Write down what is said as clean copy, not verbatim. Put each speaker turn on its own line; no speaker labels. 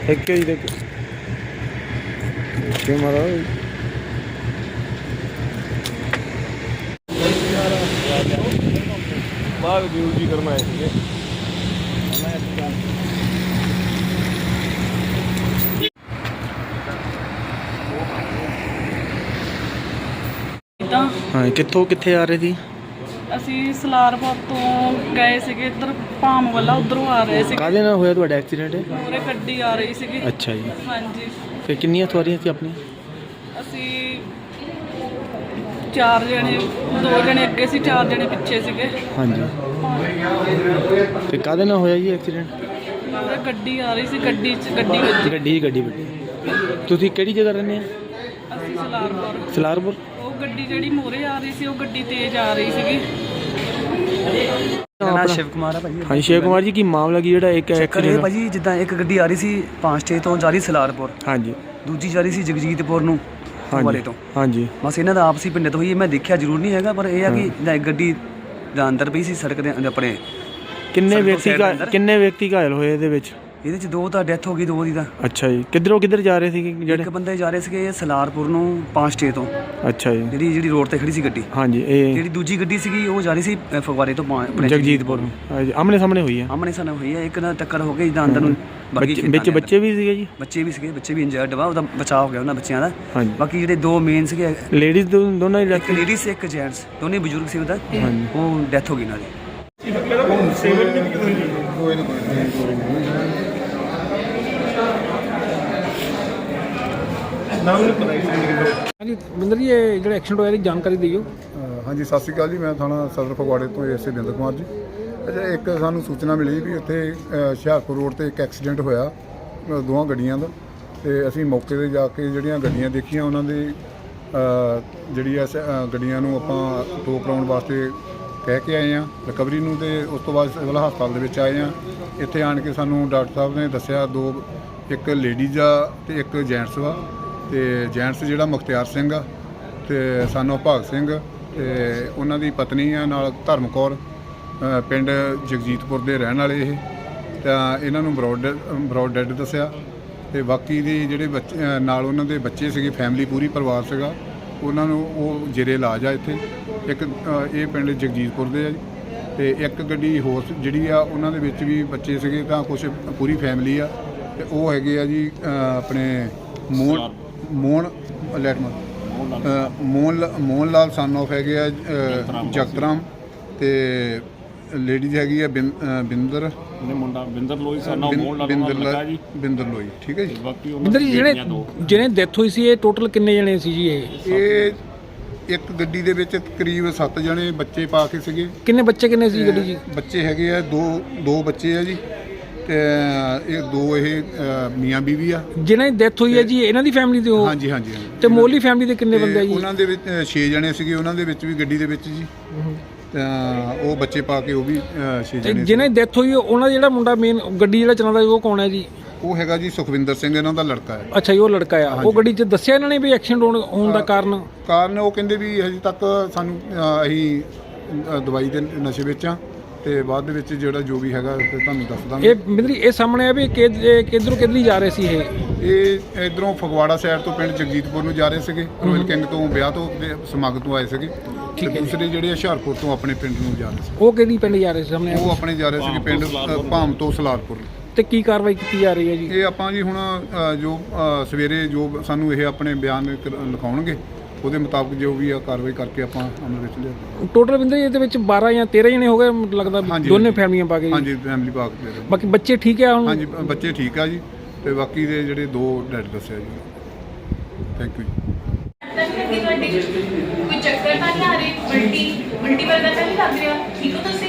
एक ही देख मारा बाग ड्यूटी करना है हाँ कितों कितने आ रहे थे
ਅਸੀਂ ਸਲਾਰਪੁਰ ਤੋਂ ਗਏ ਸੀਗੇ ਇੱਧਰ ਭਾਮ ਵਾਲਾ ਉਧਰੋਂ ਆ ਰਹੇ ਸੀ।
ਕਾਹਦੇ ਨਾਲ ਹੋਇਆ ਤੁਹਾਡਾ ਐਕਸੀਡੈਂਟ?
ਪੂਰੇ ਗੱਡੀ ਆ ਰਹੀ ਸੀਗੀ।
ਅੱਛਾ ਜੀ।
ਹਾਂਜੀ।
ਫਿਰ ਕਿੰਨੀਆਂ ਸਵਾਰੀਆਂ ਸੀ ਆਪਣੀਆਂ?
ਅਸੀਂ 4 ਜਣੇ, 2 ਜਣੇ ਅੱਗੇ ਸੀ, 4 ਜਣੇ ਪਿੱਛੇ ਸੀਗੇ।
ਹਾਂਜੀ। ਤੇ ਕਾਹਦੇ ਨਾਲ ਹੋਇਆ ਜੀ ਐਕਸੀਡੈਂਟ?
ਪੂਰੇ ਗੱਡੀ ਆ ਰਹੀ ਸੀ, ਗੱਡੀ
ਵੱਜੀ। ਤੁਸੀਂ ਕਿਹੜੀ ਜਗ੍ਹਾ ਰਹਿੰਦੇ ਆ?
ਅਸੀਂ ਸਲਾਰਪੁਰ।
ਸਲਾਰਪੁਰ।
ਉਹ ਗੱਡੀ ਜਿਹੜੀ ਮੋਰੇ ਆ ਰਹੀ ਸੀ ਉਹ ਗੱਡੀ ਤੇਜ਼ ਆ ਰਹੀ ਸੀਗੀ।
ਮੇਰਾ ਨਾਮ ਸ਼ਿਵ ਕੁਮਾਰ ਹੈ ਭਾਜੀ।
ਹਾਂਜੀ ਸ਼ਿਵ ਕੁਮਾਰ ਜੀ, ਕੀ ਮਾਮਲਾ ਕੀ ਜਿਹੜਾ ਇੱਕ
ਐਕਸੀਡੈਂਟ ਭਾਜੀ? ਜਿੱਦਾਂ ਇੱਕ ਗੱਡੀ ਆ ਰਹੀ ਸੀ 5-6 ਤੋਂ ਜਾ ਰਹੀ ਸਲਾਰਪੁਰ।
ਹਾਂਜੀ।
ਦੂਜੀ ਜਾ ਰਹੀ ਸੀ ਜਗਜੀਤਪੁਰ ਨੂੰ ਵਾਲੇ ਤੋਂ।
ਹਾਂਜੀ।
ਬਸ ਇਹਨਾਂ ਦਾ ਆਪਸੀ ਪਿੰਡ ਤੋਂ ਹੀ। ਮੈਂ ਦੇਖਿਆ ਜ਼ਰੂਰ ਨਹੀਂ ਹੈਗਾ, ਪਰ ਇਹ ਆ ਕਿ ਇੱਕ ਗੱਡੀ ਦਾ ਅੰਦਰ ਪਈ ਸੀ ਸੜਕ ਦੇ ਆਪਣੇ।
ਕਿੰਨੇ ਵਿਅਕਤੀ ਘਾਇਲ ਹੋਏ ਇਹਦੇ ਵਿੱਚ?
ਇਹਦੇ 'ਚ 2 ਤਾਂ ਡੈਥ ਹੋ ਗਈ, 2 ਦੀ ਤਾਂ।
ਅੱਛਾ ਜੀ। ਕਿੱਧਰ ਜਾ ਰਹੇ ਸੀਗੇ ਜਿਹੜੇ?
ਇੱਕ ਬੰਦੇ ਜਾ ਰਹੇ ਸੀਗੇ ਸਲਾਰਪੁਰ ਨੂੰ 5-6 ਤੋਂ।
ਅੱਛਾ ਜੀ।
ਜਿਹੜੀ ਰੋਡ ਤੇ ਖੜੀ ਸੀ ਗੱਡੀ।
ਹਾਂਜੀ।
ਜਿਹੜੀ ਦੂਜੀ ਗੱਡੀ ਸੀਗੀ ਉਹ ਜਾ ਰਹੀ ਸੀ ਫਗਵਾੜੇ ਤੋਂ ਆਪਣੇ
ਜਗਜੀਤਪੁਰ ਨੂੰ। ਹਾਂਜੀ। ਆਮਣੇ ਸਾਹਮਣੇ ਹੋਈ ਹੈ।
ਆਮਣੇ ਸਾਹਮਣੇ ਹੋਈ ਹੈ। ਇੱਕ ਨਾਲ ਟੱਕਰ ਹੋ ਗਈ ਜਿੱਦਾਂ ਅੰਦਰ ਨੂੰ।
ਵਿੱਚ ਬੱਚੇ ਵੀ ਸੀਗੇ ਜੀ?
ਬੱਚੇ ਵੀ ਸੀਗੇ, ਬੱਚੇ ਵੀ ਇੰਜਰਡ ਵਾ। ਉਹਦਾ ਬਚਾਅ ਹੋ ਗਿਆ ਉਹਨਾਂ ਬੱਚਿਆਂ ਦਾ।
ਹਾਂਜੀ।
ਬਾਕੀ ਜਿਹੜੇ 2 ਮੇਨ ਸੀਗੇ,
ਲੇਡੀਜ਼ ਦੋਨਾਂ ਦੀ?
ਇੱਕ ਲੇਡੀਜ਼ ਇੱਕ ਜੈਂਟਸ, ਦੋਨੇ ਬਜ਼ੁਰਗ ਸੀ। ਉਹਦਾ ਉਹ ਡੈਥ ਹੋ ਗਈ ਨਾਲ ਦੀ।
ਹਾਂਜੀ ਬਿੰਦਰ ਜੀ, ਇਹ ਜਿਹੜਾ ਐਕਸੀਡੈਂਟ ਹੋਇਆ ਇਹਦੀ ਜਾਣਕਾਰੀ ਦਿਓ।
ਹਾਂਜੀ ਸਤਿ ਸ਼੍ਰੀ ਅਕਾਲ ਜੀ। ਮੈਂ ਥਾਣਾ ਸਦਰ ਫਗਵਾੜੇ ਤੋਂ ਐਸਏ ਬਿੰਦਰ ਕੁਮਾਰ ਜੀ। ਅੱਛਾ, ਇੱਕ ਸਾਨੂੰ ਸੂਚਨਾ ਮਿਲੀ ਵੀ ਉੱਥੇ ਹੁਸ਼ਿਆਰਪੁਰ ਰੋਡ ਤੇ ਇੱਕ ਐਕਸੀਡੈਂਟ ਹੋਇਆ 2 ਗੱਡੀਆਂ ਦਾ। ਤੇ ਅਸੀਂ ਮੌਕੇ 'ਤੇ ਜਾ ਕੇ ਜਿਹੜੀਆਂ ਗੱਡੀਆਂ ਦੇਖੀਆਂ ਉਹਨਾਂ ਦੇ ਜਿਹੜੀ ਗੱਡੀਆਂ ਨੂੰ ਆਪਾਂ ਟੋ ਕਰਾਉਣ ਵਾਸਤੇ ਕਹਿ ਕੇ ਆਏ ਹਾਂ ਰਿਕਵਰੀ ਨੂੰ। ਤੇ ਉਸ ਤੋਂ ਬਾਅਦ ਸਿਵਲ ਹਸਪਤਾਲ ਦੇ ਵਿੱਚ ਆਏ ਹਾਂ। ਇੱਥੇ ਆਣ ਕੇ ਸਾਨੂੰ ਡਾਕਟਰ ਸਾਹਿਬ ਨੇ ਦੱਸਿਆ 2, ਇੱਕ ਲੇਡੀਜ਼ ਆ ਤੇ ਇੱਕ ਜੈਂਟਸ ਵਾ। ਤੇ ਜੈਂਟਸ ਜਿਹੜਾ ਮੁਖਤਿਆਰ ਸਿੰਘ ਆ ਤੇ ਸਾਨੂੰ ਭਾਗ ਸਿੰਘ ਤੇ ਉਹਨਾਂ ਦੀ ਪਤਨੀ ਆ, ਨਾਲ ਧਰਮ ਕੌਰ, ਪਿੰਡ ਜਗਜੀਤਪੁਰ ਦੇ ਰਹਿਣ ਵਾਲੇ ਇਹ। ਤਾਂ ਇਹਨਾਂ ਨੂੰ ਬਰੋਡ ਡੈਡ ਦੱਸਿਆ। ਤੇ ਬਾਕੀ ਦੇ ਜਿਹੜੇ ਬੱਚੇ ਨਾਲ ਉਹਨਾਂ ਦੇ ਬੱਚੇ ਸੀਗੇ, ਫੈਮਿਲੀ ਪੂਰੀ ਪਰਿਵਾਰ ਸੀਗਾ, ਉਹਨਾਂ ਨੂੰ ਉਹ ਜੇਰੇ ਇਲਾਜ ਆ ਇੱਥੇ। ਇੱਕ ਇਹ ਪਿੰਡ ਜਗਜੀਤਪੁਰ ਦੇ ਆ ਜੀ। ਤੇ ਇੱਕ ਗੱਡੀ ਹੋਰ ਜਿਹੜੀ ਆ ਉਹਨਾਂ ਦੇ ਵਿੱਚ ਵੀ ਬੱਚੇ ਸੀਗੇ, ਤਾਂ ਕੁਛ ਪੂਰੀ ਫੈਮਿਲੀ ਆ। ਤੇ ਉਹ ਹੈਗੇ ਆ ਜੀ ਆਪਣੇ ਮੋਹਨ ਲਾਲ ਸਨ ਆਫ ਹੈਗੇ ਆ ਜਗਤਰਾਮ। ਤੇ ਲੇਡੀਜ਼ ਹੈਗੀ ਆ ਬਿੰਦਰ ਲੋਈ। ਠੀਕ ਹੈ ਜੀ।
ਬਿੰਦਰ ਜੀ, ਜਿਹੜੇ ਡੈਥ ਹੋਈ ਸੀ ਇਹ ਟੋਟਲ ਕਿੰਨੇ ਜਣੇ ਸੀ ਜੀ?
ਇਹ ਇੱਕ ਗੱਡੀ ਦੇ ਵਿੱਚ ਕਰੀਬ 7 ਜਣੇ ਬੱਚੇ ਪਾ ਕੇ ਸੀਗੇ।
ਕਿੰਨੇ ਬੱਚੇ ਸੀ ਗੱਡੀ ਜੀ?
ਬੱਚੇ ਹੈਗੇ ਆ 2 ਬੱਚੇ ਆ ਜੀ। ਤੇ ਇਹ 2 ਮੀਆਂ ਬੀਵੀ ਆ।
ਜਿਹਨਾਂ ਦੀ ਡੈਥ ਹੋਈ ਹੈ ਜੀ ਇਹਨਾਂ ਦੀ ਫੈਮਿਲੀ ਦੇ?
ਹਾਂਜੀ।
ਤੇ ਮੋਲੀ ਫੈਮਿਲੀ ਦੇ ਕਿੰਨੇ ਬੰਦੇ ਆ ਜੀ?
ਉਹਨਾਂ ਦੇ ਵਿੱਚ 6 ਜਣੇ ਸੀਗੇ, ਉਹਨਾਂ ਦੇ ਵਿੱਚ ਵੀ ਗੱਡੀ ਦੇ ਵਿੱਚ ਜੀ। ਤਾਂ ਉਹ ਬੱਚੇ ਪਾ ਕੇ ਉਹ ਵੀ 6 ਜਣੇ।
ਜਿਹਨਾਂ ਦੀ ਡੈਥ ਹੋਈ ਉਹਨਾਂ ਦਾ ਜਿਹੜਾ ਮੁੰਡਾ ਮੇਨ ਗੱਡੀ ਜਿਹੜਾ ਚਲਾਉਂਦਾ ਉਹ ਕੌਣ ਹੈ ਜੀ?
ਉਹ ਹੈਗਾ ਜੀ ਸੁਖਵਿੰਦਰ ਸਿੰਘ, ਇਹਨਾਂ ਦਾ ਲੜਕਾ ਹੈ।
ਅੱਛਾ ਜੀ, ਉਹ ਲੜਕਾ ਆ। ਉਹ ਗੱਡੀ 'ਚ ਦੱਸਿਆ ਇਹਨਾਂ ਨੇ ਵੀ ਐਕਸੀਡੈਂਟ ਹੋਣ ਦਾ ਕਾਰਨ
ਉਹ ਕਹਿੰਦੇ ਵੀ ਹਜੇ ਤੱਕ ਸਾਨੂੰ ਅਸੀਂ ਦਵਾਈ ਦੇ ਨਸ਼ੇ ਵਿੱਚ ਆ। ਤੇ ਬਾਅਦ ਦੇ ਵਿੱਚ ਜਿਹੜਾ ਜੋ ਵੀ ਹੈਗਾ ਤੇ ਤੁਹਾਨੂੰ ਦੱਸ ਦਾਂਗੇ।
ਇਹ ਬਿੰਦਰੀ ਇਹ ਸਾਹਮਣੇ ਆ ਵੀ ਕਿੱਧਰੋਂ ਜਾ ਰਹੇ ਸੀ
ਇਹ ਇਧਰੋਂ ਫਗਵਾੜਾ ਸਾਈਡ ਤੋਂ ਪਿੰਡ ਜਗਜੀਤਪੁਰ ਨੂੰ ਜਾ ਰਹੇ ਸੀਗੇ। ਰੋਇਲ ਕਿੰਗ ਤੋਂ ਵਿਆਹ ਤੋਂ ਸਮਾਗਮ ਤੋਂ ਆਏ ਸੀਗੇ। ਤੇ ਦੂਸਰੇ ਜਿਹੜੇ ਹੁਸ਼ਿਆਰਪੁਰ ਤੋਂ ਆਪਣੇ ਪਿੰਡ ਨੂੰ ਜਾ ਰਹੇ ਸੀ।
ਉਹ ਕਿਹੜੀ ਪਿੰਡ ਜਾ ਰਹੇ ਸੀ ਸਾਹਮਣੇ?
ਉਹ ਆਪਣੇ ਜਾ ਰਹੇ ਸੀਗੇ ਪਿੰਡ ਭਾਮ ਤੋਂ ਸਲਾਰਪੁਰ।
ਤੇ ਕੀ ਕਾਰਵਾਈ ਕੀਤੀ ਜਾ ਰਹੀ ਹੈ ਜੀ?
ਇਹ ਆਪਾਂ ਜੀ ਹੁਣ ਜੋ ਸਵੇਰੇ ਜੋ ਸਾਨੂੰ ਇਹ ਆਪਣੇ ਬਿਆਨ ਲਿਖਾਉਣਗੇ ਉਹਦੇ ਮੁਤਾਬਕ ਜੋ ਵੀ ਆ ਕਾਰਵਾਈ ਕਰਕੇ ਆਪਾਂ ਅਮਲ ਵਿੱਚ ਲਿਆ।
ਟੋਟਲ ਬਿੰਦਰ ਇਹਦੇ ਵਿੱਚ 12 ਜਾਂ 13 ਜਣੇ ਹੋ ਗਏ ਲੱਗਦਾ, ਦੋਨੇ ਫੈਮਲੀਆਂ ਪਾ ਕੇ?
ਹਾਂਜੀ, ਫੈਮਲੀ ਪਾ ਕੇ।
ਬਾਕੀ ਬੱਚੇ ਠੀਕ ਆ ਹੁਣ?
ਹਾਂਜੀ, ਬੱਚੇ ਠੀਕ ਆ ਜੀ। ਤੇ ਬਾਕੀ ਦੇ ਜਿਹੜੇ 2 ਡੈਡ ਦੱਸਿਆ ਜੀ। ਥੈਂਕ ਯੂ ਜੀ।
ਕੋਈ ਚੱਕਰ ਤਾਂ ਨਹੀਂ ਆ ਰਹੀ? ਉਲਟੀ ਵਰਗਾ ਤਾਂ ਨਹੀਂ ਲੱਗ ਰਿਹਾ? ਠੀਕ ਹੋ ਤੁਸੀਂ?